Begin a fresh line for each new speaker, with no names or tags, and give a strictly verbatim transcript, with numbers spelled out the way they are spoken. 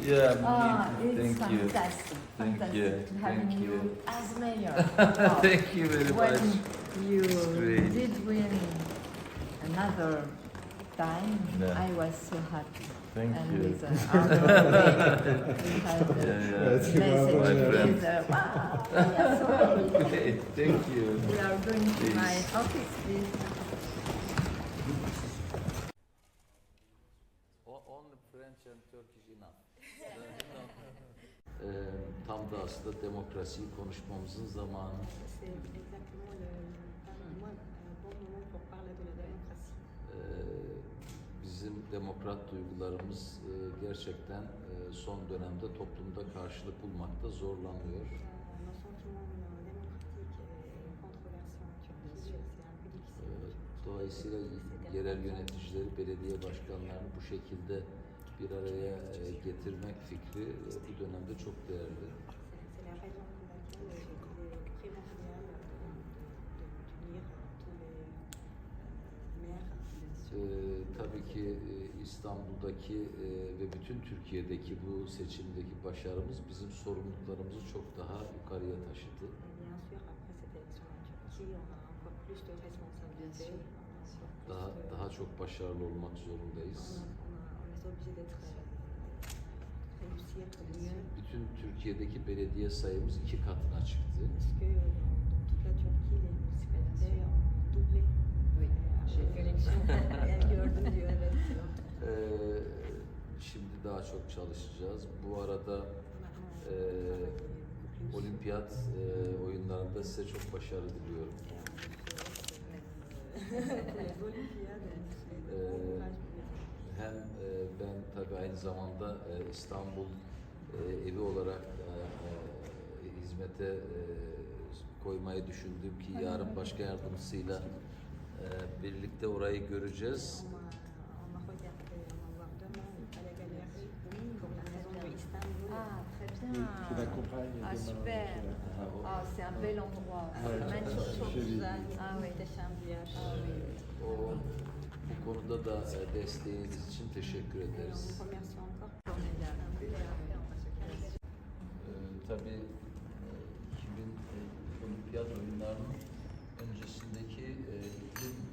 Yeah, me
Ah,
too.
it's
Thank you.
fantastic.
Thank
fantastic
you.
to having
Thank
you.
you.
as mayor. Wow.
Thank you very
When
much.
you
It's great.
did win another time,
Yeah.
I was so happy.
Thank
and
you.
with uh, Arnaud, we had uh,
Yeah, yeah.
That's
message
my friend.
together. Wow, we are so happy.
Okay, thank you.
We are going to my
Please.
office, please.
Only French and Turkish enough. Eee, tam da aslında demokrasiyi konuşmamızın zamanı.
C'est exactement le, le bon moment pour parler de la démocratie.
Eee, bizim demokrat duygularımız eee, gerçekten eee, son dönemde toplumda karşılık bulmakta zorlanıyor.
Euh, Nos sentiments euh, démocratiques et controversés en Turquie, c'est un peu difficile.
Eee, Dolayısıyla yerel yöneticileri, belediye başkanlarını bu şekilde bir araya eee, getirmek fikri eee, bu dönemde çok değerli.
C'est la raison pour laquelle il est primordial de- d'unir tous les euh, maires.
Eee tabii ki eee, İstanbul'daki eee, ve bütün Türkiye'deki bu seçimdeki başarımız bizim sorumluluklarımızı çok daha yukarıya taşıdı.
Et bien sûr, après cette élection en Turquie, on a encore plus de responsabilités. On a encore plus
Daha
de-
daha çok başarılı olmak zorundayız.
on, a- on, a- on est obligé d'être euh, réussir mieux.
Bütün Türkiye'deki belediye sayımız iki katına çıktı.
Parce que euh, dans, dans toute la Turquie, les municipalités ont doublé.
Oui,
euh,
j'ai
après
vu.
l'élection. Elle gördüm diyor, evet.
Eee, şimdi daha çok çalışacağız. Bu arada
Maintenant,
eee,
on travaille beaucoup plus.
olimpiyat eee, oyunlarında size çok başarı diliyorum.
Et on souhaite, euh, pour les Olympiades, on souhaite
Euh,
bon courage pour les
Hem eee, ben tabii aynı zamanda eee, İstanbul eee, evi olarak eee, hizmete eee, koymayı düşündüm ki yarın başkan yardımcısıyla eee, birlikte orayı göreceğiz.
On va, on va regarder, on va voir demain le Palais Galerie pour la maison de Istanbul.
Ah, très
Tu
bien.
l'accompagnes
Ah,
demain.
super.
Voilà.
Ah, c'est un bel endroit.
Ouais,
Magnifique.
çok
Çok güzel,
Ah oui.
muhteşem bir yer.
Ah oui.
O bu konuda da eee, desteğiniz için teşekkür
Et on
ederiz.
vous remercie encore.
Formidable.
Ee, tabii e, iki bin e, olimpiyat oyunlarının öncesindeki e, iklim